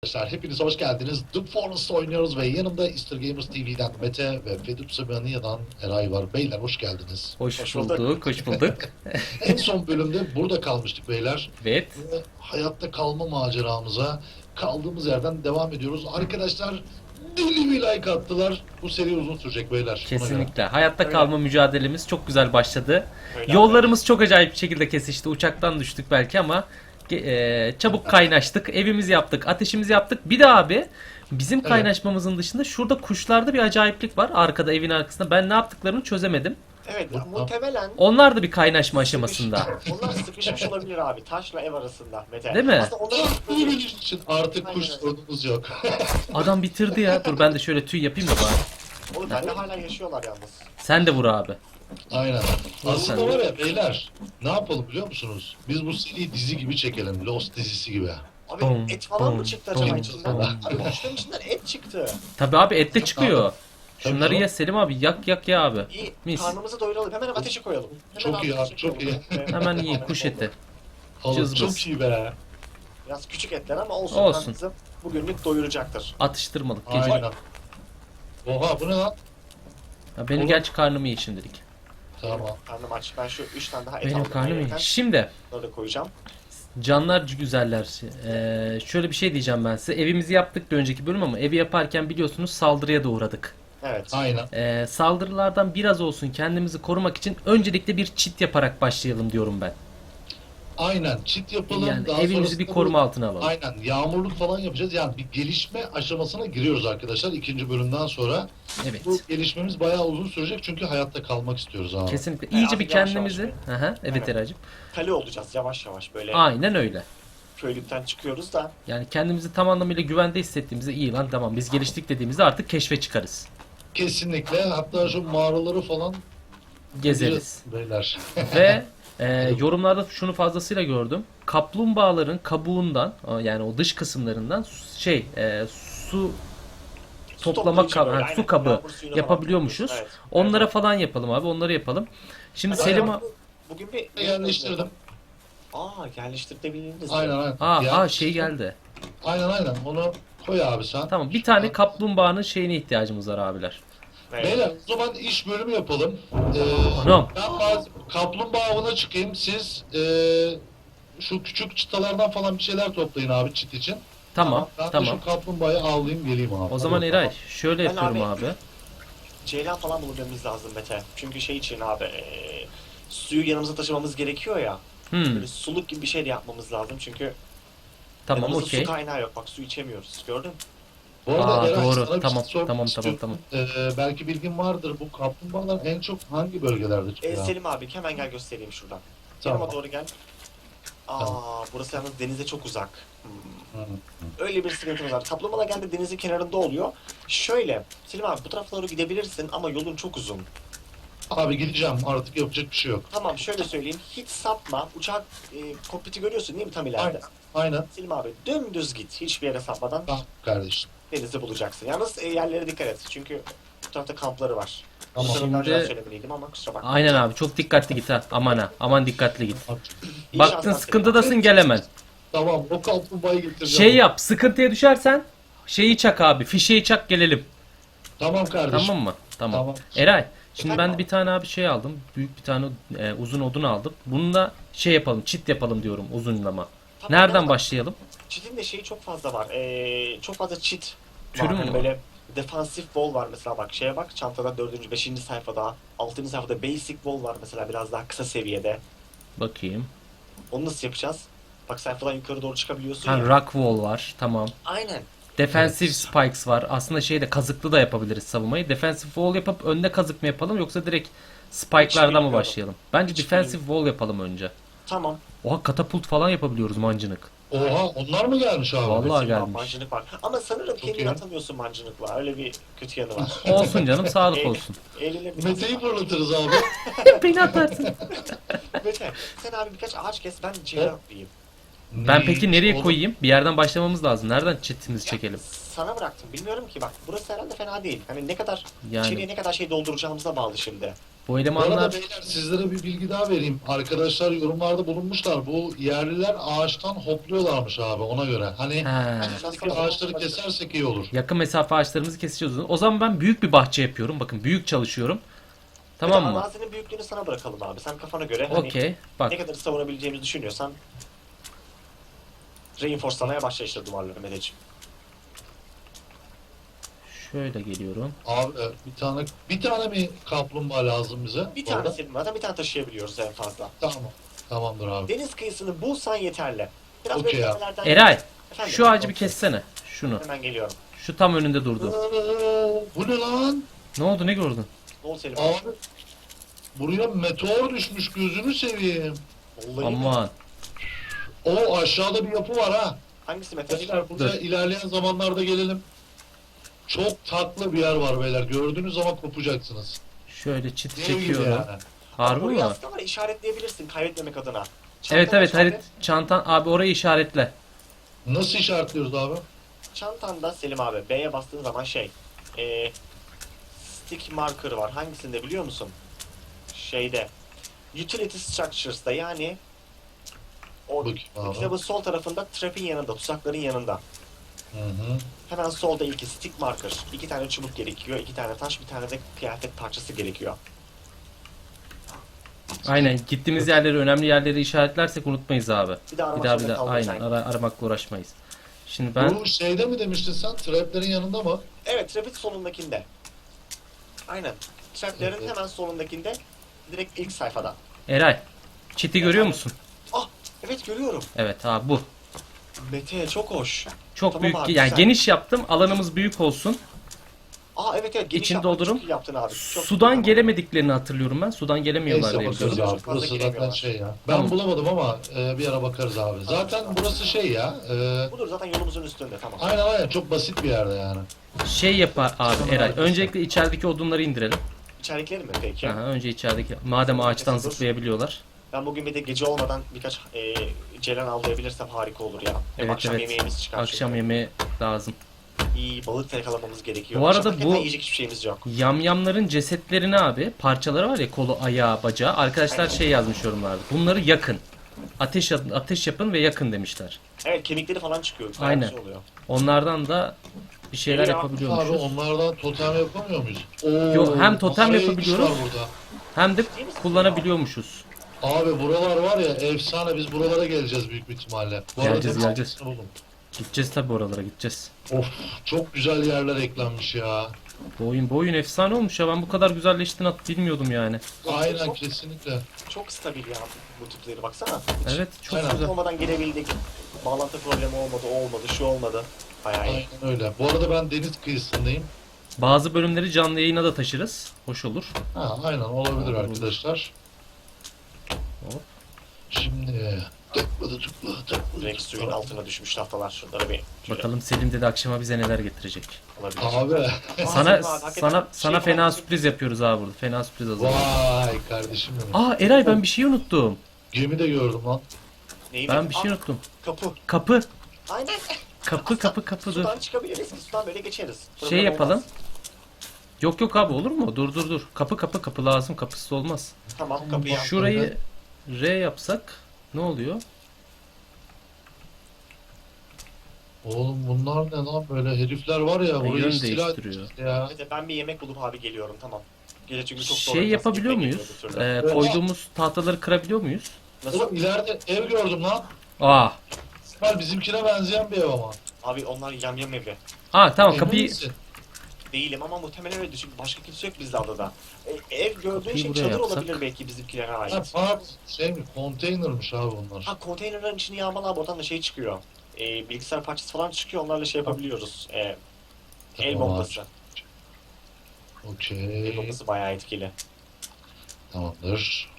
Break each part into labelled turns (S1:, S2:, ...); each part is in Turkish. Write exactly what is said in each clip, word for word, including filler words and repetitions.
S1: Arkadaşlar hepiniz hoş geldiniz. The Forest oynuyoruz ve yanımda Easter Gamers T V'den Mete ve Fedup Semania'dan Eray var. Beyler hoş geldiniz.
S2: Hoş,
S3: Hoş
S2: bulduk,
S3: bulduk.
S2: hoş bulduk.
S1: En son bölümde burada kalmıştık beyler.
S2: Evet.
S1: Ve hayatta kalma maceramıza kaldığımız yerden devam ediyoruz. Arkadaşlar deli bir like attılar. Bu seri uzun sürecek beyler. Ona göre.
S2: Kesinlikle. Hayatta
S3: Öyle.
S2: kalma mücadelemiz çok güzel başladı.
S3: Öyle
S2: Yollarımız çok acayip bir şekilde kesişti. Uçaktan düştük belki ama e, çabuk kaynaştık. Evimizi yaptık, ateşimizi yaptık. Bir de abi bizim
S1: Evet.
S2: kaynaşmamızın dışında şurada kuşlarda bir acayiplik var. Arkada, evin arkasında. Ben ne yaptıklarını çözemedim.
S3: Evet, muhtemelen
S2: Onlar da bir kaynaşma aşamasında.
S3: sıkış- onlar sıkışmış olabilir abi. Taşla ev arasında Mete.
S2: Değil mi?
S3: Aslında onların
S1: Bunu bildiğin için artık kuş
S3: Aynen.
S1: sorunumuz yok.
S2: Adam bitirdi ya. Dur ben de şöyle tüy yapayım da bari.
S3: Oğlum bende hala yaşıyorlar yalnız.
S2: Sen de vur abi.
S1: Aynen. Aslında
S2: sen.
S1: var ya beyler ne yapalım biliyor musunuz? Biz bu seriyi dizi gibi çekelim. Lost dizisi gibi.
S3: Abi
S2: Bum,
S3: et falan
S2: bum,
S3: mı çıktı acaba
S2: bum,
S3: içinden?
S2: bum.
S3: Abi kuşların içinden et çıktı.
S2: Tabii abi et de çıkıyor.
S1: Tabii
S2: Şunları
S1: canım.
S2: ye Selim abi. Yak yak ya abi.
S3: İyi,
S2: Mis.
S3: karnımızı doyuralım. Hemen ateşi koyalım. Hemen
S1: Çok iyi
S3: ateşi
S1: abi, çok
S3: koyalım. Evet,
S2: Hemen yiyin
S3: evet,
S2: kuş
S3: oldu.
S2: eti.
S1: Oğlum,
S2: Cızbız.
S1: çok iyi be.
S3: Biraz küçük etler ama olsun.
S2: Olsun.
S3: Olsun. Bizi bugünlük doyuracaktır.
S2: Atıştırmalık gece.
S1: Aynen. Oha bu ne lan?
S2: Ya benim
S1: Oğlum.
S2: gerçi karnımı iyi şimdilik.
S1: Tamam.
S3: Karnım aç. Ben şu üç tane daha et
S2: Benim
S3: aldım.
S2: karnım iyi.
S3: ayrıca.
S2: Şimdi
S3: Bunları da koyacağım.
S2: canlar güzeller. Ee, şöyle bir şey diyeceğim ben size. Evimizi yaptık da önceki bölüm ama evi yaparken biliyorsunuz saldırıya da uğradık.
S3: Evet.
S1: Aynen.
S2: Ee, saldırılardan biraz olsun kendimizi korumak için öncelikle bir çit yaparak başlayalım diyorum ben.
S1: Aynen. Çit yapalım.
S2: Yani
S1: daha
S2: evimizi
S1: sonrasında
S2: bir
S1: bu-
S2: koruma altına alalım.
S1: Aynen. Yağmurluk falan yapacağız. Yani bir gelişme aşamasına giriyoruz arkadaşlar. ikinci bölümden sonra.
S2: Evet.
S1: Bu gelişmemiz bayağı uzun sürecek çünkü hayatta kalmak istiyoruz abi.
S2: Kesinlikle.
S3: Yani
S2: İyice bir
S3: yavaş yavaş
S2: kendimizi... Aha, evet
S3: Evet.
S2: Eracığım.
S3: Kale olacağız yavaş yavaş böyle.
S2: Aynen öyle.
S3: Köylükten çıkıyoruz da.
S2: Yani kendimizi tam anlamıyla güvende hissettiğimizde iyi lan tamam biz geliştik dediğimizde artık keşfe çıkarız.
S1: Kesinlikle. Hatta şu mağaraları falan
S2: Gezeriz.
S1: beyler.
S2: Ve e, yorumlarda şunu fazlasıyla gördüm. Kaplumbağaların kabuğundan yani o dış kısımlarından su- şey e, su toplama
S3: toplayıcı
S2: kabı,
S3: böyle,
S2: ha, su
S3: aynen.
S2: kabı
S3: Yağmur suyunu
S2: yapabiliyormuşuz.
S3: falan topluyoruz, evet.
S2: Onlara
S3: Evet.
S2: falan yapalım abi. Onları yapalım. Şimdi
S1: Hadi
S2: Selim
S1: bakalım.
S3: Bugün bir
S1: Yerleştirdim.
S3: Aa yerleştirebiliriz.
S1: Aynen aynen.
S2: Aa,
S1: Yani-
S2: aa şey geldi.
S1: Aynen aynen. Onu koy abi sen.
S2: Tamam bir tane kaplumbağanın şeyine ihtiyacımız var abiler.
S3: Evet.
S1: Beyler o zaman iş bölümü yapalım. Ee,
S2: Anam.
S1: ben bazı kaplumbağa avına çıkayım. Siz ee, şu küçük çıtalardan falan bir şeyler toplayın abi çit için.
S2: Tamam
S1: Ben de
S2: tamam.
S1: şu kaplumbağayı avlayayım geleyim abi.
S2: O zaman
S1: Hadi
S2: Eray
S1: bakalım.
S2: şöyle
S3: Ben
S2: yapıyorum
S3: abi-
S2: abi.
S3: Ceylan falan bulmamız lazım Mete. Çünkü şey için abi eee, suyu yanımıza taşımamız gerekiyor ya.
S2: Hmm,
S3: Böyle suluk gibi bir şey de yapmamız lazım çünkü
S2: tamam
S3: yanımızda
S2: okey.
S3: su kaynağı yok. Bak su içemiyoruz. Gördün mü?
S1: Bu arada
S2: Aa,
S1: Eray,
S2: doğru.
S1: sana bir şey
S2: Tamam,
S1: sormak
S2: tamam,
S1: istiyorum.
S2: tamam,
S1: Ee, belki bilgin vardır. Bu kaplumbağalar en çok hangi bölgelerde
S3: Ee,
S1: çıkıyor?
S3: Selim abi hemen gel göstereyim şuradan.
S1: Tamam.
S3: Yanıma doğru gel. Aa
S1: Tamam.
S3: burası yalnız denize çok uzak. Hmm.
S1: Hı.
S3: Öyle bir sıkıntımız var. Kaplumbağalar genelde denizin kenarında oluyor. Şöyle, Selim abi bu taraflara doğru gidebilirsin ama yolun çok uzun.
S1: Abi gideceğim artık yapacak bir şey yok.
S3: Tamam şöyle söyleyeyim, hiç sapma. Uçak e, kokpiti görüyorsun değil mi tam ileride?
S1: Aynen. Aynen.
S3: Selim abi dümdüz git. Hiçbir yere sapmadan
S1: Tamam kardeşim.
S3: denizi bulacaksın. Yalnız e, yerlere dikkat et. Çünkü bu tarafta kampları var.
S1: Tamam.
S3: Bu
S2: Şimdi-
S3: taraftan önce söylemeliydim ama kusura bakma.
S2: Aynen abi çok dikkatli git ha. Aman ha. Aman dikkatli git.
S3: İyi
S2: Baktın
S3: şanslar
S2: sıkıntıdasın gel hemen.
S1: Tamam o kaplumbağayı getireceğim.
S2: Şey yap sıkıntıya düşersen şeyi çak abi. Fişeği çak gelelim.
S1: Tamam kardeşim.
S2: Tamam mı? Tamam.
S1: Tamam.
S2: Eray şimdi
S3: Efendim
S2: ben de
S3: abi?
S2: bir tane abi şey aldım. Büyük bir tane e, uzun odun aldım. Bununla şey yapalım çit yapalım diyorum uzunlama.
S3: Tamam,
S2: Nereden
S3: tamam.
S2: başlayalım?
S3: Çitin de şeyi çok fazla var. Ee, çok fazla çit
S2: Türü
S3: var.
S2: mü
S3: Hani
S2: var?
S3: böyle defansif wall var mesela bak şeye bak çantada dördüncü, beşinci sayfada, altıncı sayfada basic wall var mesela biraz daha kısa seviyede.
S2: Bakayım.
S3: Onu nasıl yapacağız? Bak sayfadan yukarı doğru çıkabiliyorsun
S2: Ha,
S3: ya.
S2: rock wall var. Tamam.
S3: Aynen.
S2: Defensive
S1: Evet.
S2: spikes var. Aslında şeyde kazıklı da yapabiliriz savunmayı. Defensive wall yapıp önde kazık mı yapalım yoksa direkt spike'lardan mı
S3: bilmiyorum.
S2: başlayalım? Bence
S3: Hiç
S2: defensive wall yapalım önce.
S3: Tamam.
S2: Oha katapult falan yapabiliyoruz mancınık.
S1: Oha onlar mı gelmiş abi?
S2: Vallahi
S3: Senin
S2: gelmiş.
S3: mancınık var. Ama sanırım
S1: Çok
S3: kendini
S1: iyi.
S3: atamıyorsun mancınıkla. Öyle bir kötü yanı var.
S2: Olsun canım sağlık
S3: Eğil-
S2: olsun.
S3: Eğlenir biraz.
S1: Mete'yi fırlatırız abi.
S2: Beni atarsın.
S3: Mete, sen abi birkaç ağaç kes ben ceylan atlayayım.
S2: Ben peki nereye
S1: Oğlum,
S2: koyayım? Bir yerden başlamamız lazım. Nereden çitimizi çekelim?
S3: Sana bıraktım. Bilmiyorum ki bak. Burası herhalde fena değil. Hani ne kadar
S2: Yani-
S3: içeriye ne kadar şey dolduracağımıza bağlı şimdi.
S2: Bu
S1: Bu arada
S2: elemanlar
S1: beyler sizlere bir bilgi daha vereyim. Arkadaşlar yorumlarda bulunmuşlar. Bu yerliler ağaçtan hopluyorlarmış abi ona göre. Hani
S2: ha,
S1: şuradaki ağaçları kesersek iyi olur.
S2: yakın mesafe ağaçlarımızı keseceğiz. O zaman ben büyük bir bahçe yapıyorum. Bakın büyük çalışıyorum. Tamam
S3: Bir de
S2: mı?
S3: Arazinin büyüklüğünü sana bırakalım abi. Sen kafana göre hani
S2: Okey. Bak
S3: ne kadar savunabileceğimizi düşünüyorsan reinforcelamaya başla işte duvarları Meteciğim.
S2: şöyle geliyorum.
S1: Abi e, bir tane bir tane mi kaplumbağa lazım bize?
S3: Bir
S1: Orada?
S3: tane senin zaten bir tane taşıyabiliyoruz en fazla.
S1: Tamam. Tamamdır abi.
S3: Deniz kıyısını bulsan yeterli. Biraz
S1: Okey ya.
S3: beklemelerden...
S2: Eray,
S3: Efendim?
S2: şu ağacı bir kessene. Şunu.
S3: Hemen geliyorum.
S2: Şu tam önünde durdu.
S1: Ee, Bu ne lan?
S2: Ne oldu, ne gördün?
S3: Ne oldu Selim?
S1: Abi buraya meteor düşmüş gözünü seveyim.
S3: Vallahi
S2: Aman.
S1: O aşağıda bir yapı var ha.
S3: Hangisi Mete?
S1: Beyler buraya
S2: Dur.
S1: ilerleyen zamanlarda gelelim. Çok tatlı bir yer var beyler. Gördüğünüz zaman kopacaksınız.
S2: Şöyle çit
S1: Dev gibi
S2: çekiyorum.
S1: yani.
S2: Harbi
S3: Burayı
S2: mi?
S3: aslında var ya, işaretleyebilirsin kaybetmemek adına.
S2: Evet
S3: Çantanın
S2: evet
S3: içinde-
S2: harit çantan abi orayı işaretle.
S1: Nasıl işaretliyoruz abi?
S3: Çantanda Selim abi B'ye bastığın zaman şey eee stick marker var. Hangisinde biliyor musun? Şeyde utility structures'da yani o
S1: Bakayım abi.
S3: kitabın sol tarafında trap'in yanında, tuzakların yanında.
S1: Hı hı.
S3: Hemen solda ilki stick marker. İki tane çubuk gerekiyor, iki tane taş, bir tane de kıyafet parçası gerekiyor.
S2: Aynen gittiğimiz yerleri önemli yerleri işaretlersek unutmayız abi.
S3: Bir daha
S2: Bir
S3: aramak
S2: daha bir
S3: zorunda
S2: daha
S3: kalmayız
S2: aynen
S3: sanki.
S2: ara, aramakla uğraşmayız. Şimdi ben
S1: Bu şeyde mi demiştin sen? Traplerin yanında mı?
S3: Evet, trap'in solundakinde. Aynen. Trap'lerin
S1: Evet.
S3: hemen solundakinde direkt ilk sayfada.
S2: Eray çiti görüyor musun?
S3: Ah, evet görüyorum.
S2: Evet abi bu.
S3: Mete çok hoş.
S2: Çok
S3: Tamam
S2: büyük
S3: abi,
S2: yani
S3: güzel.
S2: geniş yaptım. Alanımız büyük olsun.
S3: Aa evet evet geniş
S2: İçini
S3: yapmak
S2: doldururum.
S3: çok iyi yaptın abi. Çok
S2: Sudan
S3: tamam.
S2: gelemediklerini hatırlıyorum ben. Sudan gelemiyorlar
S1: Neyse
S2: diye
S1: bakarız
S2: biliyorum.
S1: abi.
S3: Çok fazla
S1: Burası zaten
S3: giremiyorlar.
S1: şey ya. Ben
S2: Tamam.
S1: bulamadım ama e, bir ara bakarız abi. Zaten burası şey ya. E,
S3: Budur zaten yolumuzun üstünde tamam.
S1: aynen aynen çok basit bir yerde yani.
S2: Şey yapar abi
S1: Tamam,
S2: Eray.
S1: arkadaşlar.
S2: Öncelikle içerideki odunları indirelim.
S3: İçerikleri mi peki?
S2: Aha, önce içerideki. Madem ağaçtan
S3: Dur.
S2: zıplayabiliyorlar.
S3: Ben bugün bir de gece olmadan birkaç e, ceylan avlayabilirsem harika olur ya. Hem
S2: Evet,
S3: akşam
S2: evet.
S3: yemeğimiz çıkar
S2: Akşam
S3: çünkü.
S2: yemeği lazım.
S3: İyi balık da yakalamamız gerekiyor.
S2: Bu arada
S3: Akşam hakikaten
S2: bu-
S3: yiyecek hiçbir şeyimiz yok.
S2: Yamyamların cesetlerini abi parçaları var ya kolu, ayağı, bacağı. Arkadaşlar şey yazmış yorumlarda. Bunları yakın. Ateş ateş yapın ve yakın demişler.
S3: Evet kemikleri falan çıkıyor. Bayağı
S2: Aynen.
S3: güzel oluyor.
S2: Onlardan da bir şeyler
S3: Geliyor.
S1: Abi
S2: yapabiliyormuşuz.
S1: onlardan totem yapamıyor muyuz? Oo,
S2: Yo, hem totem
S1: kafaya
S2: yapabiliyoruz.
S1: iş var burada.
S2: Hem de kullanabiliyormuşuz.
S1: Abi buralar var ya efsane biz buralara geleceğiz büyük bir ihtimalle. Bu arada
S2: Geleceğiz,
S1: tek
S2: geleceğiz.
S1: altısını buldum.
S2: Gideceğiz tabi oralara gideceğiz.
S1: Of çok güzel yerler eklenmiş ya.
S2: Bu oyun, bu oyun efsane olmuş ya. Ben bu kadar güzelleştiğini at bilmiyordum yani.
S1: Aynen
S3: Çok-
S1: kesinlikle.
S3: Çok stabil ya bu tipleri baksana.
S2: Evet çok
S1: Aynen.
S2: güzel.
S3: Olmadan gelebildik. Bağlantı problemi olmadı, o olmadı, şu olmadı. Bayağı iyi.
S1: Aynen öyle. Bu arada ben deniz kıyısındayım.
S2: Bazı bölümleri canlı yayına da taşırız. Hoş olur.
S1: Ha aynen olabilir
S2: Olur.
S1: arkadaşlar.
S2: Hop.
S1: Şimdi tıkladı tıkladı tıkladı.
S3: Direkt suyun altına düşmüş tahtalar. Şunları bir şöyle
S2: Bakalım Selim dedi akşama bize neler getirecek.
S3: alabilir.
S1: Abi
S3: Aa,
S2: Sana
S3: Selim abi, hakikaten
S2: sana
S3: şey
S2: sana fena
S3: falan-
S2: sürpriz yapıyoruz abi burada. Fena sürpriz hazırladık.
S1: vay kardeşim benim.
S2: Aa Eray ben bir şey unuttum.
S1: Gemi de gördüm lan.
S3: Neyi
S2: Ben bir
S3: Aa,
S2: şey unuttum.
S3: Kapı.
S2: Kapı.
S3: Aynen.
S2: Kapı kapı kapı dur.
S3: Sudan çıkabiliriz ki sudan böyle geçeriz.
S2: Şey
S3: Problem
S2: yapalım.
S3: olmaz.
S2: Yok yok abi olur mu? Dur dur dur. Kapı kapı kapı lazım. Kapısız olmaz.
S3: Tamam kapıyı
S1: Şu-
S2: Şurayı R yapsak ne oluyor?
S1: Oğlum bunlar ne lan böyle herifler var ya
S2: Yön
S1: burayı istila
S2: değiştiriyor.
S1: etmiş ya.
S3: Hadi ben bir yemek bulup abi geliyorum tamam. Gece çünkü çok zor.
S2: Şey
S3: olacağız,
S2: yapabiliyor
S3: gitmek
S2: muyuz?
S3: gerekiyor bir türlü.
S2: Ee, koyduğumuz tahtaları kırabiliyor muyuz?
S3: Nasıl?
S1: Oğlum ileride ev gördüm lan.
S2: Aa.
S1: İsmail bizimkine benzeyen bir ev ama.
S3: Abi onlar yamyam evi.
S2: Aa tamam
S1: Emin
S2: kapıyı
S1: misin?
S3: Değilim ama muhtemelen öyle çünkü başka kimse yok bizde adada. E, ev gördüğün
S2: Kapıyı
S3: şey
S2: buraya
S3: çadır
S2: yapsak.
S3: olabilir belki bizimkilere ait.
S1: Ha part şey mi konteynermiş abi onlar.
S3: Ha konteynerlerin içini yağmala abi oradan da şey çıkıyor. E, bilgisayar parçası falan çıkıyor onlarla şey yapabiliyoruz. E, el
S1: Tamam abi.
S3: bombası. El
S1: Okey.
S3: bombası bayağı etkili.
S1: Tamamdır.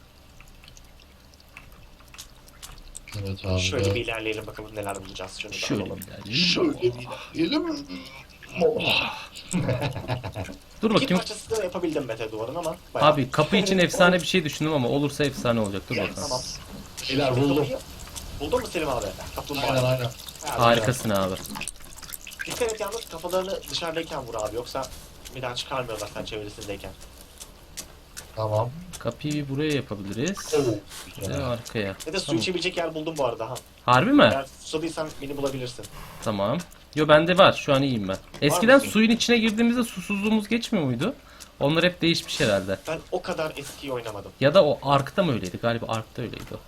S1: Evet abi.
S3: Şöyle bir ilerleyelim bakalım neler bulacağız. Şunu da
S2: şöyle
S3: alalım.
S2: bir ilerleyelim.
S1: Şöyle bir ilerleyelim. Oh.
S2: Dur
S3: İki
S2: bakayım.
S3: parçası da yapabildim Mete duvarın ama. bayağı-
S2: Abi kapı için efsane bir şey düşündüm ama olursa efsane olacak. Dur bakalım.
S3: Tamam.
S1: Beyler
S3: Şimdi
S1: buldum.
S3: kapıyı- Buldun mu Selim abi? Kaplumbağa.
S1: Aynen aynen.
S3: Ha,
S2: Harikasın abi.
S3: Dikkat et yalnız kafalarını dışarıdayken vur abi yoksa bir daha çıkarmıyorlar sen çevresindeyken.
S1: Tamam.
S2: Kapıyı buraya yapabiliriz.
S1: Oo,
S2: Ve
S1: güzel.
S2: arkaya.
S3: Ve de su
S2: Tamam.
S3: içebilecek yer buldum bu arada ha.
S2: Harbi mi?
S3: Eğer susadıysan beni bulabilirsin.
S2: Tamam. Yo bende var. Şu an iyiyim ben. Eskiden
S3: mısın?
S2: suyun içine girdiğimizde susuzluğumuz geçmiyor muydu? Onlar hep değişmiş herhalde.
S3: Ben o kadar eskiyi oynamadım.
S2: Ya da o Ark'ta mı öyleydi? Galiba Ark'ta öyleydi o.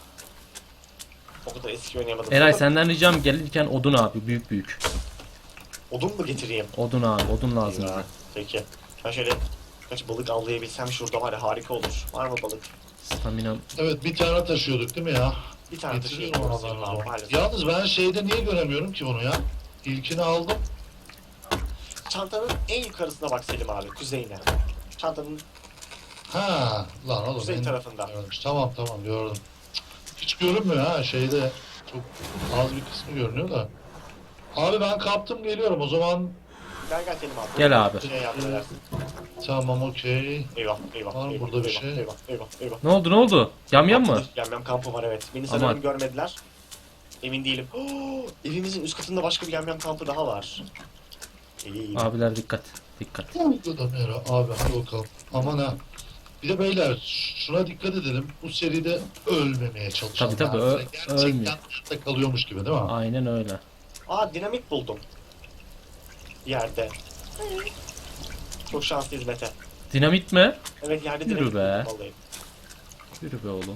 S3: O kadar eski oynayamadım.
S2: Eray
S3: Sonra
S2: senden ricam gelirken odun abi. Büyük büyük.
S3: Odun mu getireyim?
S2: Odun abi. Odun lazım
S3: Ya,
S2: bize.
S3: peki. Ben şöyle kaç balık avlayabilsem şurada var ya harika olur. Var mı balık?
S2: Stamina.
S1: Evet bir tane taşıyorduk değil mi ya?
S3: Bir tane
S1: Getiriyorum
S3: taşıyayım.
S1: oradan o
S3: Abi,
S1: zaman.
S3: maalesef.
S1: Yalnız ben şeyde niye göremiyorum ki bunu ya? İlkini aldım.
S3: Çantanın en yukarısına bak Selim abi. Kuzeyine. Çantanın
S1: Ha, lan oğlum.
S3: kuzey
S1: en-
S3: tarafında.
S1: Görmüş. Tamam tamam gördüm. Cık, hiç görünmüyor ha şeyde. Çok az bir kısmı görünüyor da. Abi ben kaptım geliyorum o zaman.
S3: Gel gel Selim abi.
S2: Gel abi.
S3: Şey yap edersin.
S1: Tamam okey.
S3: Eyvah eyvah.
S1: Var mı
S3: eyvah,
S1: burada bir
S3: eyvah,
S1: şey?
S3: Eyvah eyvah eyvah.
S2: Ne oldu ne oldu? Yamyam mı?
S3: Yamyam kampı var evet. Beni
S2: Aman.
S3: sanırım görmediler. Emin değilim. Oo, evimizin üst katında başka bir yamyam kampı daha var. İyi.
S2: Abiler dikkat. Dikkat.
S1: Bu da Mera abi hadi bakalım. Aman ha. Bir de beyler şuna dikkat edelim. Bu seride ölmemeye çalışalım.
S2: Tabii, tabii,
S1: Yani
S2: ö-
S1: gerçekten
S2: ölmüyor.
S1: hayatta kalıyormuş gibi değil mi?
S2: Aynen öyle.
S3: Aa dinamit buldum. Yerde. Çok şanslıyız Mete.
S2: Dinamit mi?
S3: Evet yerde
S2: Yürü
S3: dinamit
S2: be.
S3: buldum vallahi.
S2: Yürü be oğlum.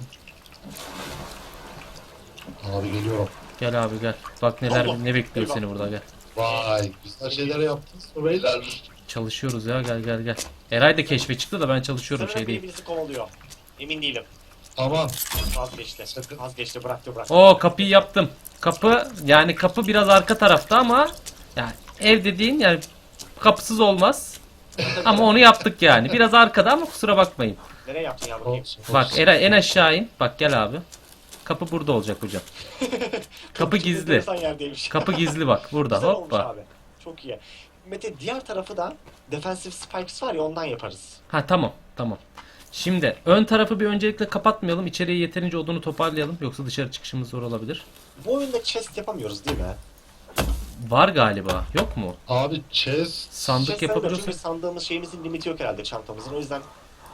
S1: Abi geliyorum.
S2: Gel abi gel. Bak neler
S3: Allah.
S2: ne bekliyor
S3: Eyvah.
S2: seni burada gel.
S1: Vay güzel şeyler yaptınız mı beyler?
S2: Çalışıyoruz ya gel gel gel. Eray da keşfe çıktı da ben çalışıyorum
S3: Sanırım
S2: şey
S3: biri
S2: değil.
S3: bizi kovalıyor. Emin değilim.
S1: Aman.
S3: Vazgeçti.
S1: Sakın.
S3: Vazgeçti bıraktı bıraktı.
S2: Oo kapıyı yaptım. Kapı yani kapı biraz arka tarafta ama yani ev dediğin yani kapısız olmaz. Ama onu yaptık yani. Biraz arkada ama kusura bakmayın.
S3: Nereye yaptın ya bakayım?
S1: Olsun,
S2: Bak
S1: olsun.
S2: Eray en aşağı in. Bak gel abi. Kapı burada olacak hocam. Kapı gizli.
S3: Enteresan yerdeymiş.
S2: Kapı gizli bak burada.
S3: Güzel olmuş
S2: Hoppa.
S3: abi. Çok iyi. Mete diğer tarafı da defensive spikes var ya ondan yaparız.
S2: Ha tamam tamam. Şimdi ön tarafı bir öncelikle kapatmayalım. İçeriye yeterince odunu toparlayalım. Yoksa dışarı çıkışımız zor olabilir.
S3: Bu oyunda chest yapamıyoruz değil mi?
S2: Var galiba. Yok mu?
S1: Abi chest.
S2: Sandık
S3: Chest sayılır
S2: yapabiliyorsak.
S3: çünkü sandığımız şeyimizin limiti yok herhalde çantamızın. O yüzden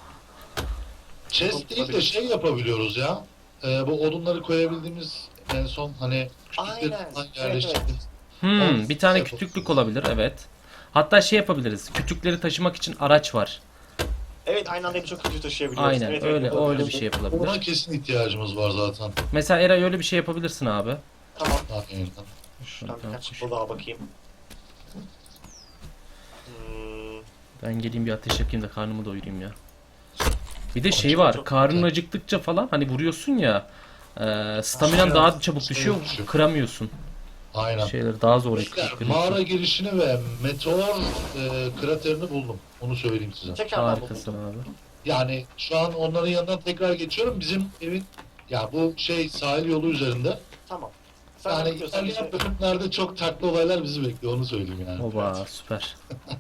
S1: Chest değil de şey yapabiliyoruz ya. Ee, bu odunları koyabildiğimiz en son hani küçükleri
S3: Aynen,
S1: falan
S3: evet,
S1: yerleştirdiğimiz.
S2: Hmm,
S1: Olsun,
S2: bir tane
S1: yapalım.
S2: kütüklük olabilir evet. Hatta şey yapabiliriz. Kütükleri taşımak için araç var.
S3: evet aynı anda birçok kötü taşıyabiliyoruz.
S2: Aynen
S3: evet,
S2: öyle
S3: evet,
S2: öyle bir
S3: yapabiliyoruz.
S2: şey
S1: Ona
S2: yapılabilir.
S1: kesin ihtiyacımız var zaten.
S2: Mesela Eray öyle bir şey yapabilirsin abi.
S3: Tamam.
S1: Aynen.
S3: Şuradan birkaç balığa bakayım. Hmm,
S2: Ben geleyim bir ateş yakayım da karnımı doyurayım ya. Bir de şey
S3: Çok-
S2: var.
S3: çok
S2: Karnın
S1: güzel.
S2: acıktıkça falan hani vuruyorsun ya. E, staminan
S1: Şey-
S2: daha çabuk düşüyor.
S1: düşüyor.
S2: Kıramıyorsun.
S1: Aynen.
S2: Şeyleri daha zor
S1: Beyler,
S2: ekliyorsun.
S1: mağara girişini ve meteor e, kraterini buldum. Onu söyleyeyim size.
S3: tekrardan
S2: Harikasın
S3: buldum.
S2: abi.
S1: Yani şu an onların yanından tekrar geçiyorum. Bizim evin ya bu şey sahil yolu üzerinde.
S3: Tamam. Sen
S1: Yani
S3: yapıyorsan
S1: ilerleyen
S3: bize-
S1: bölümlerde çok tatlı olaylar bizi bekliyor. Onu söyleyeyim yani.
S2: Oba süper.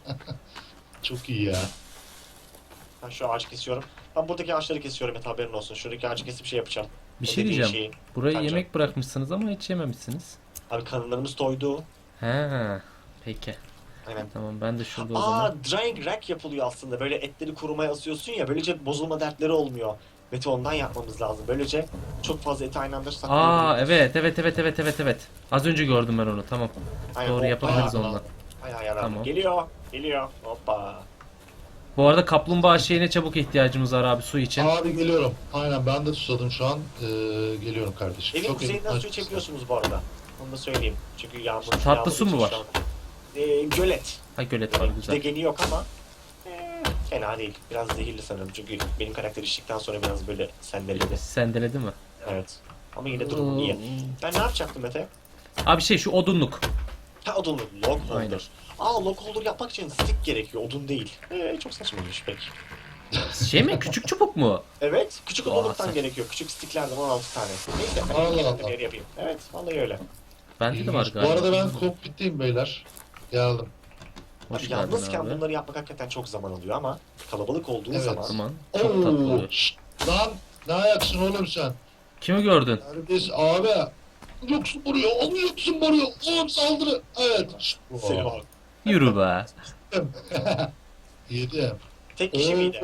S1: Çok iyi ya.
S3: Ben şu ağacı kesiyorum. Ben buradaki ağaçları kesiyorum et haberin olsun. Şuradaki ağacı kesip şey yapacağım.
S2: Bir
S3: O
S2: şey
S3: dediğin
S2: diyeceğim.
S3: şeyi.
S2: Buraya
S3: Bence.
S2: yemek bırakmışsınız ama hiç yememişsiniz.
S3: Abi karınlarımız doydu.
S2: He. Peki.
S3: Aynen.
S2: Tamam ben de şurada o
S3: Aa
S2: zaman.
S3: drying rack yapılıyor aslında. Böyle etleri kurumaya asıyorsun ya. Böylece bozulma dertleri olmuyor. Mete ondan yapmamız lazım. Böylece çok fazla eti aynı anda
S2: Aa
S3: saklayabiliriz.
S2: evet evet evet evet evet evet. Az önce gördüm ben onu tamam.
S3: Aynen,
S2: Doğru
S3: o
S2: yapabiliriz
S3: bayağı-
S2: onunla.
S3: Bayağı yararlı.
S2: Tamam.
S3: Geliyor. Geliyor. Hoppa.
S2: Bu arada kaplumbağa şeyine çabuk ihtiyacımız var abi su için.
S1: Abi geliyorum. Aynen ben de susadım şu an. Ee, geliyorum kardeşim.
S3: Evin
S1: Çok
S3: kuzeyinden
S1: elim-
S3: su içebiliyorsunuz bu arada. Onu da söyleyeyim. Çünkü yağmur.
S2: Tatlı
S3: yağmur
S2: su mu
S3: için
S2: var?
S3: şu an- Ee, gölet.
S2: Ha gölet var
S3: Yani
S2: güzel.
S3: degeni yok ama ee, fena değil. Biraz zehirli sanırım. Çünkü benim karakter içtikten sonra biraz böyle sendeledi.
S2: Sendeledi mi?
S3: Evet. Ama yine durum iyi. Ben ne yapacaktım Mete?
S2: Abi şey şu odunluk.
S3: Ha odunlu. Log
S2: Aynen.
S3: holder. Aa log holder yapmak için stick gerekiyor. Odun değil. Ee, çok saçmaymış pek.
S2: Şey mi küçük çubuk mu?
S3: Evet. Küçük
S2: Aa,
S3: odunluktan
S2: sen-
S3: gerekiyor. Küçük sticklerden on altı tane. Neyse. Ben
S1: Allah
S3: kendim
S1: Allah.
S3: yer yapayım. Evet. Vallahi öyle.
S2: Bende de var
S1: İyiymiş.
S2: galiba.
S1: Bu arada ben kokpitteyim beyler. Geldim.
S2: Hoş
S3: Abi,
S2: geldin
S3: yalnızken
S2: abi.
S3: bunları yapmak hakikaten çok zaman alıyor ama kalabalık olduğu
S1: Evet.
S3: zaman
S2: Tamam. Çok tatlı
S1: Oo,
S2: oluyor.
S1: şşt, lan ne ayaksın oğlum sen?
S2: Kimi gördün?
S1: Neredeyiz abi? Yoksun vuruyor, onu yoksun vuruyor. Oğlum saldırı. Evet. şşt.
S3: Selim abi.
S2: Yürü be.
S1: Yedim.
S3: Tek kişi
S1: Oo.
S3: miydi?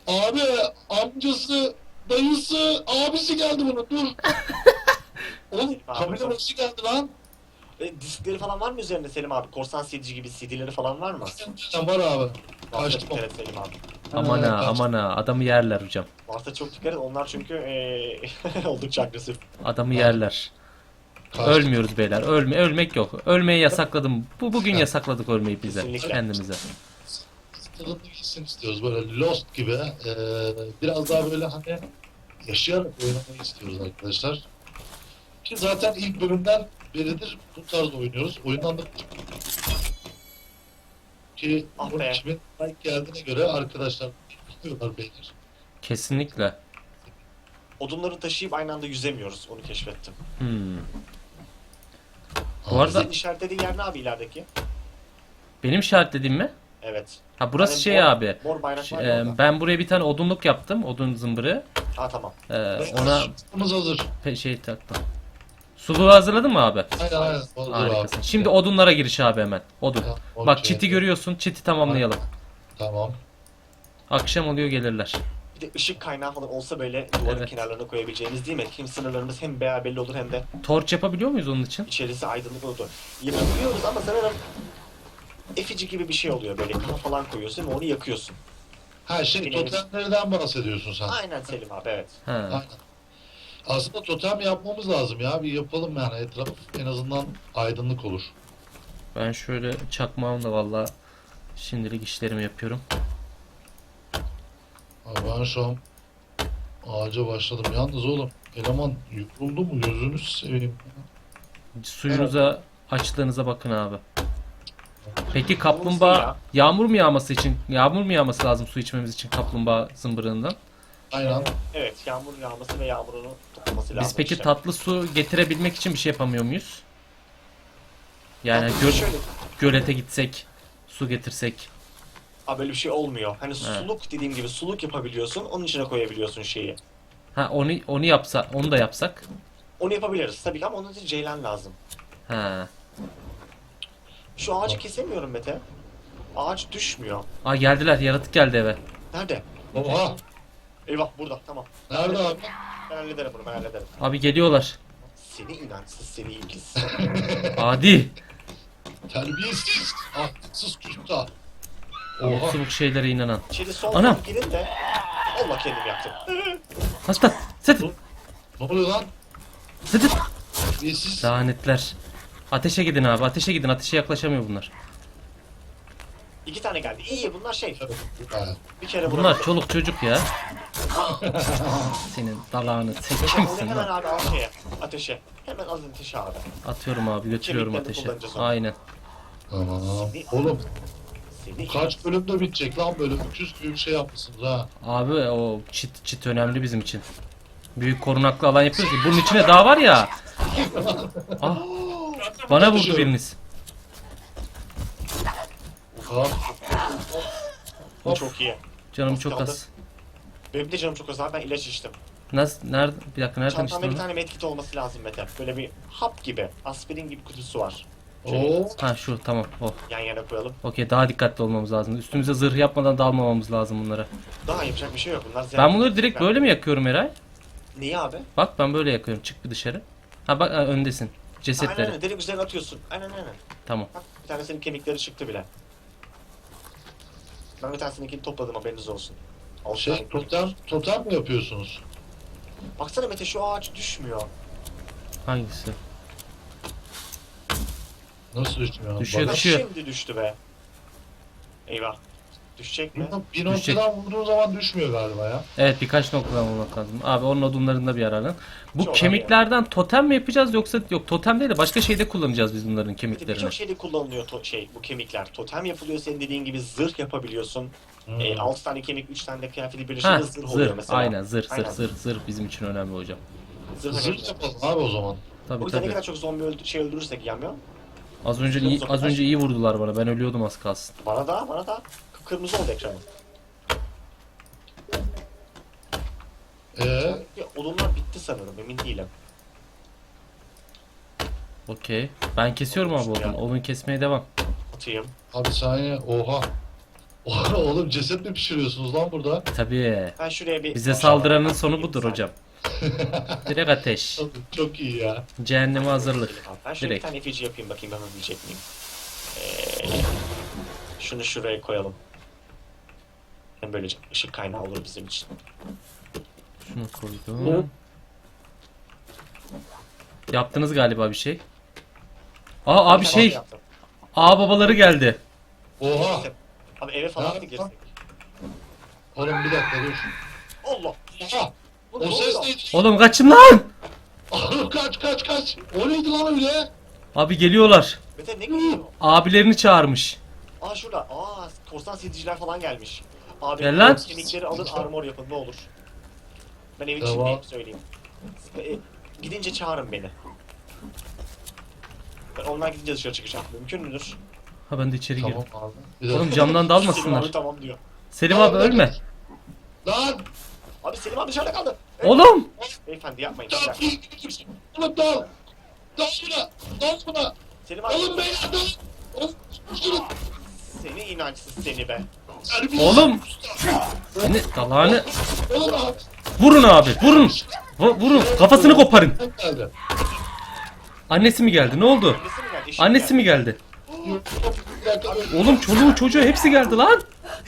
S1: Abi amcası, dayısı, abisi geldi bunun. Dur. Oğlum kamera nasıl geldi lan?
S3: E, diskleri falan var mı üzerinde Selim abi? Korsan C D gibi C D'leri falan var mı?
S1: Sen var abi.
S3: Varsa
S1: Kaçtım.
S3: dikkat et Selim abi.
S2: Aman ha aman ha adamı yerler hocam.
S3: Varsa çok dikkat et. Onlar çünkü e, oldukça agresif.
S2: Adamı yerler.
S1: Kaçtım.
S2: Ölmüyoruz beyler. Ölme ölmek yok. Ölmeyi yasakladım. Bu bugün yasakladık ölmeyi bize.
S3: Kesinlikle.
S2: Kendimize.
S1: Tadını gitsin istiyoruz böyle Lost gibi. Ee, biraz daha böyle hani yaşayarak oynamayı istiyoruz arkadaşlar. Ki zaten ilk bölümden beridir bu tarz oynuyoruz. Oyundan da ki
S3: Ah
S1: bunun
S3: be.
S1: kimin like geldiğine göre arkadaşlar biliyorlar beyler.
S2: Kesinlikle.
S3: Odunları taşıyıp aynı anda yüzemiyoruz. Onu keşfettim.
S2: Hmm. Bu arada
S3: Senin işaretlediğin yer ne abi ilerideki?
S2: benim işaretlediğim mi?
S3: Evet.
S2: Ha burası
S3: Hani
S2: şey
S3: mor-
S2: abi.
S3: Mor bayrak
S2: Ş-
S3: var ya
S2: e,
S3: orada.
S2: ben buraya bir tane odunluk yaptım. Odun zımbırı.
S3: Ha tamam.
S2: E, ona
S1: Ona hazır.
S2: pe- şey taktım. Suluğu hazırladın mı abi?
S1: Aynen aynen. Hazır
S2: Harikasın.
S1: abi.
S2: Şimdi odunlara giriş abi hemen. Odun.
S1: Tamam,
S2: Bak
S1: okey.
S2: çiti görüyorsun. Çiti tamamlayalım.
S1: Tamam.
S2: Akşam oluyor gelirler.
S3: Bir de ışık kaynağı falan olsa böyle duvarın
S2: Evet.
S3: kenarlarına koyabileceğimiz değil mi? Hem sınırlarımız hem bayağı belli olur hem de
S2: Torç yapabiliyor muyuz onun için?
S3: içerisi aydınlık olur. Yapabiliyoruz ama sanırım efici gibi bir şey oluyor böyle kafa falan koyuyorsun ve onu yakıyorsun.
S1: Ha şey
S3: Bilemedim.
S1: totemlerden bahsediyorsun sen.
S3: Aynen Selim abi evet.
S2: Ha.
S1: Aynen. Aslında totem yapmamız lazım ya. Bir yapalım yani. Etraf en azından aydınlık olur.
S2: Ben şöyle çakmağımla valla şimdilik işlerimi yapıyorum.
S1: Abi ben şu an ağaca başladım. Yalnız oğlum eleman yoruldu mu gözünü seveyim.
S2: Suyunuza, açlığınıza bakın abi. Peki
S3: ya.
S2: kaplumbağa yağmur mu yağması için, yağmur mu yağması lazım su içmemiz için kaplumbağa zımbırığından?
S1: Aynen.
S3: Evet yağmur yağması ve yağmurunu toplaması lazım.
S2: Biz peki
S3: işte.
S2: tatlı su getirebilmek için bir şey yapamıyor muyuz? Yani
S3: Tatlı
S2: göl,
S3: şöyle,
S2: gölete gitsek, su getirsek.
S3: Aa, böyle bir şey olmuyor. Hani suluk dediğim gibi suluk yapabiliyorsun. Onun içine koyabiliyorsun şeyi.
S2: Ha onu onu yapsa, onu da yapsak.
S3: Onu yapabiliriz tabii ki ama onun için ceylan lazım.
S2: Ha.
S3: Şu ağacı kesemiyorum Mete. Ağaç düşmüyor.
S2: Aa geldiler, yaratık geldi eve.
S3: Nerede?
S1: Oha.
S3: Eyvah burada tamam.
S1: Nerede abi?
S3: Ben hallederim bunu ben hallederim.
S2: Abi geliyorlar.
S3: Seni inançsız seni ilgisiz.
S2: Adi.
S1: Terbiyesiz. Ahlaksız küstah.
S2: O
S1: Oha.
S2: suluk şeylere inanan.
S3: İçeri sol
S2: Anam.
S3: girin de Allah kendim yaptım.
S2: Hasta. Sıt.
S1: Ne oluyor lan?
S2: Sıt.
S1: Terbiyesiz.
S2: Lanetler. Ateşe gidin abi. Ateşe gidin. Ateşe yaklaşamıyor bunlar.
S3: İki tane geldi. İyi bunlar şey.
S1: Ha.
S3: Bir kere
S2: Bunlar
S3: vuramadım.
S2: çoluk çocuk ya. Senin dalağını. Sen
S3: Onu
S2: kimsin
S3: hemen
S2: lan?
S3: abi al şeye. Ateşe. Hemen al ateşe abi.
S2: Atıyorum abi. Götürüyorum
S3: Kemiklerini
S2: ateşe.
S3: kullanacağız onu.
S2: Aynen.
S1: Tamam. Oğlum
S3: Seni
S1: kaç bölümde bitecek lan böyle öküz gibi bir şey yapmışsınız ha.
S2: Abi o çit çit önemli bizim için. Büyük korunaklı alan yapıyoruz ki. Bunun içine daha var ya. Ah. Bana vurdu biriniz.
S1: Oha.
S3: Bu çok iyi.
S2: Canım
S3: Az
S2: çok
S3: kaldı.
S2: az.
S3: Benim de canım çok az abi ben ilaç içtim.
S2: Nasıl? Nerede? Bir dakika nereden
S3: Çantamda
S2: içtin
S3: bir
S2: onu?
S3: tane medkit olması lazım Mete. Böyle bir hap gibi, aspirin gibi kutusu var.
S1: Oo.
S2: Ha şu tamam. Oh.
S3: Yan yana koyalım.
S2: Okey daha dikkatli olmamız lazım. Üstümüze zırh yapmadan dalmamamız lazım bunlara.
S3: Daha yapacak bir şey yok. Bunlar
S2: Ben bunları direkt böyle mi yakıyorum Eray?
S3: Niye abi?
S2: Bak ben böyle yakıyorum. Çık bir dışarı. Ha bak ha, öndesin.
S3: Aynen
S2: Cesetleri.
S3: aynen. Direkt üzerine atıyorsun. Aynen aynen.
S2: Tamam.
S3: Bak bir tanesinin kemikleri çıktı bile. Ben bir tanesininkini topladım haberiniz olsun. Altı
S1: Şey
S3: tane-
S1: totem, totem mi yapıyorsunuz?
S3: Baksana Mete şu ağaç düşmüyor.
S2: Hangisi?
S1: Nasıl düşmüyor?
S2: Düşüyor,
S1: Bak-
S3: Ha,
S2: düşüyor.
S3: şimdi düştü be. Eyvah. Düşecek mi?
S1: Bir noktadan vurduğun zaman düşmüyor galiba ya.
S2: Evet birkaç noktadan bulmak lazım. Abi onun odunlarında bir aralın. Bu
S3: Çok
S2: kemiklerden totem mi yapacağız yoksa yok totem değil de başka şeyde kullanacağız biz bunların
S3: Bir de
S2: kemiklerini.
S3: Birçok şeyde kullanılıyor to- şey bu kemikler. Totem yapılıyor senin dediğin gibi zırh yapabiliyorsun.
S1: Hmm.
S3: E, altı tane kemik, üç tane de kıyafeti
S2: Ha
S3: birleşince zırh oluyor
S2: zırh
S3: mesela.
S2: aynen zırh zırh
S3: Aynen.
S2: zırh zırh bizim için önemli hocam.
S3: Zırh,
S1: Zırh
S3: önemli.
S1: yapalım abi o zaman.
S2: Tabii
S3: O yüzden ne
S2: tabii.
S3: kadar çok zombi öldü, şey öldürürsek yanmıyor.
S2: Az önce iyi, az önce iyi vurdular bana. Ben ölüyordum az kalsın.
S3: Bana da, bana da. Kıpkırmızı oldu ekranım.
S1: Ee,
S3: Ya, odunlar bitti sanırım, emin değilim.
S2: Okey. Ben kesiyorum abi odun. Odun kesmeye devam.
S3: Atayım.
S1: abi saniye oha. Oğlum ceset mi pişiriyorsunuz lan burada?
S2: Tabii.
S3: Ben şuraya bir...
S2: Bize saldıranın sonu budur hocam. Direkt ateş.
S1: Çok, çok iyi ya.
S2: Cehenneme hazırlık.
S3: Ben şöyle bir
S2: Direkt.
S3: tane efeci yapayım bakayım yapabilecek miyim? Ee, şunu şuraya koyalım. Hem böylece ışık kaynağı olur bizim için.
S2: Şunu koydum. Yaptınız galiba bir şey. Aa abi
S3: Ben
S2: şey.
S3: yaptım.
S2: Aa babaları geldi.
S1: Oha.
S3: Neyse. Abi eve falan
S1: Ya,
S3: mı girsek?
S1: Oğlum bir dakika dur.
S3: Allah!
S1: Oha.
S3: Bu
S1: O
S3: ne
S1: ses
S3: oluyor?
S1: neydi?
S2: Oğlum kaçın lan.
S1: Oğlum kaç kaç kaç. O neydi lan öyle?
S2: Abi geliyorlar.
S3: Mete ne geliyor?
S2: Abilerini çağırmış.
S3: Aa şurada. Aa korsan sediciler falan gelmiş. Abi
S2: Gel lan.
S3: kemikleri alın armor yapın ne olur. Ben evin
S1: Tamam.
S3: içindeyim söyleyeyim. E, gidince çağırın beni. Ben onlar gidince dışarı çıkacağım. Mümkün müdür?
S2: Ha ben de içeri
S1: Tamam
S2: girdim.
S1: abi. Bir dakika.
S2: Oğlum camdan
S3: Selim
S2: dalmasınlar.
S3: abi tamam diyor.
S2: Selim abi ölme.
S1: Lan.
S3: Abi Selim abi dışarıda kaldı. Evet.
S2: Oğlum.
S3: Beyefendi yapmayın. bir
S1: Dal.
S3: dakika.
S1: Oğlum dal. Dal buna. Dal buna.
S3: Selim abi
S1: Oğlum beyler dal. Oğlum. Şunu.
S3: seni inançsız seni be.
S2: Oğlum. Seni dalağını.
S1: Oğlum abi.
S2: Vurun abi. Vurun. V- vurun. Kafasını koparın.
S1: Geldi.
S2: Annesi mi geldi? Ne oldu?
S3: Annesi mi geldi? Eşi
S2: Annesi mi geldi?
S1: Yok, yok, bir dakika, dur.
S2: Oğlum çoluğu çocuğu hepsi geldi lan.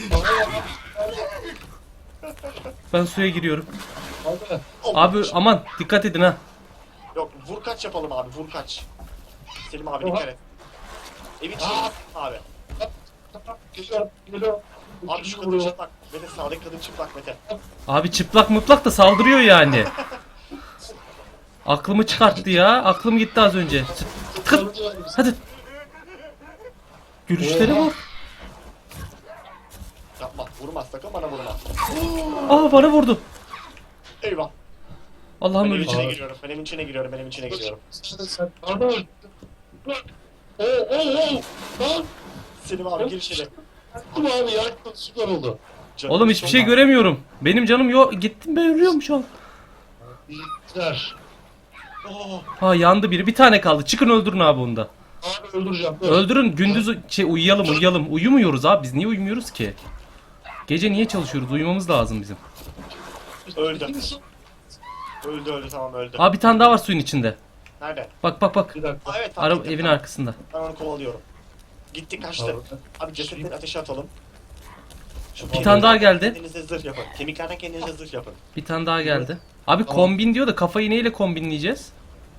S2: Ben suya giriyorum.
S1: Abi.
S3: Allah.
S2: Abi aman dikkat edin ha.
S3: Yok vur kaç yapalım abi vur kaç. Selim abi
S1: Oha.
S3: dikkat et. Evin içinde
S1: Aa.
S3: abi.
S1: Geliyorum. Geliyorum.
S3: Abi şu kadın çıplak. Mete sağdaki kadın çıplak Mete.
S2: Abi çıplak mıplak da saldırıyor yani. Aklımı çıkarttı ya. Aklım gitti az önce. Tık. Hadi. Görüşleri
S1: Oha.
S2: bak.
S3: Yapma vurma sakın bana vurma.
S2: Aa bana vurdu.
S3: Eyvah.
S2: Allah'ım
S3: Ben evin
S2: öleceğim.
S3: içine giriyorum. Ben evin içine giriyorum. Ben evin içine giriyorum.
S1: Sen sen. Pardon. Bırak. Oo oo oo. Lan.
S3: Selim abi gir içeri.
S1: Dur abi ya. Süper oldu.
S3: Canım
S2: Oğlum hiçbir şey
S3: sonra-
S2: göremiyorum. Benim canım yok. Gittim ben ölüyorum şu an.
S1: İyiler.
S3: Oh,
S2: Ha yandı biri. Bir tane kaldı. Çıkın öldürün abi onu da.
S1: Abi öldüreceğim. Dur.
S2: Öldürün. Gündüz şey uyuyalım uyuyalım. Uyumuyoruz abi. Biz niye uyumuyoruz ki? Gece niye çalışıyoruz? Uyumamız lazım bizim.
S3: öldü. Öldü öldü tamam öldü.
S2: Abi bir tane daha var suyun içinde.
S3: Nerede?
S2: Bak bak bak.
S1: Bir dakika.
S3: Aa, evet tamam.
S2: Ara,
S3: gitti,
S2: evin
S3: tamam.
S2: arkasında.
S3: Ben onu kovalıyorum. Gitti kaçtı.
S1: Abi.
S3: Abi cesetleri ateşe atalım. Şu
S2: Bir tane daha geldi.
S3: Kendinize zırh yapın. Kemiklerden kendinize zırh yapın.
S2: Bir tane daha geldi. Abi
S1: Tamam.
S2: kombin diyor da kafayı neyle kombinleyeceğiz?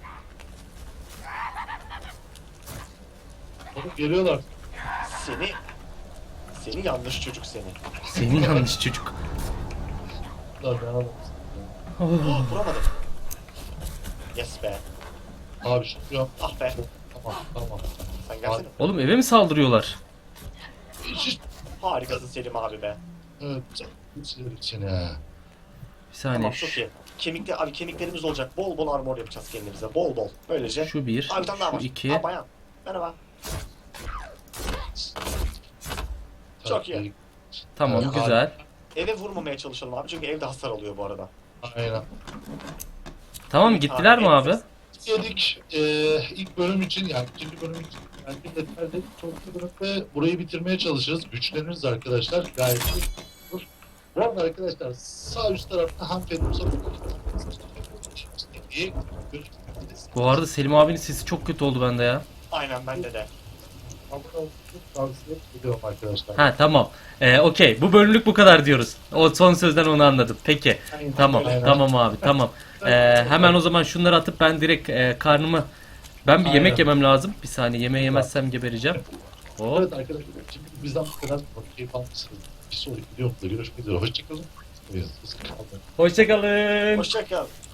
S1: Oğlum geliyorlar.
S3: Seni... Seni yanlış çocuk seni.
S2: Senin yanlış çocuk.
S1: Lan ne yapalım?
S2: Oh.
S3: Oh, vuramadım. Yes be.
S1: Abi şu yok.
S3: Ah be.
S1: Tamam tamam.
S3: Sen gelsene.
S2: Oğlum eve mi saldırıyorlar?
S1: Hiç.
S3: Harikasın Selim abi be.
S1: Evet. Sinir içine.
S2: Bir saniye.
S3: Tamam çok iyi. Kemikli, abi kemiklerimiz olacak. Bol bol armor yapacağız kendimize. Bol bol. Böylece.
S2: Şu bir,
S3: Abi bir tane daha
S2: şu
S3: var.
S2: iki.
S3: Aa bayan. Merhaba. Çok iyi.
S2: Tamam
S1: Evet,
S2: güzel.
S3: Eve vurmamaya çalışalım abi çünkü evde hasar alıyor bu arada.
S1: Aynen.
S2: Tamam gittiler mi abi?
S1: Yedik. Ee, ilk bölüm için yani ikinci bölüm için yani bir yeterli. Sonraki bölümde burayı bitirmeye çalışırız. Güçleniriz arkadaşlar. Gayet iyi olur. Bu arada arkadaşlar sağ üst tarafta hanımefendi uzak. İyi.
S2: Bu arada Selim abinin sesi çok kötü oldu bende ya.
S3: Aynen bende de.
S1: Abone olmayı tavsiye ediyorum arkadaşlar.
S2: Ha tamam. Ee, Okey bu bölümlük bu kadar diyoruz. O son sözden onu anladım. Peki.
S1: Aynen,
S2: Tamam
S1: aynen.
S2: tamam abi tamam. Ee, hemen o zaman şunları atıp ben direkt e, karnımı... Ben bir
S1: Aynen.
S2: yemek yemem lazım. Bir saniye yemeği yemezsem gebereceğim. Hop.
S1: Evet arkadaşlar şimdi bizden bu kadar keyif almışsınız. Bir sonraki videomda görüşmek üzere. Hoşçakalın. Evet, kalın.
S2: Hoşçakalın.
S3: Hoşçakal.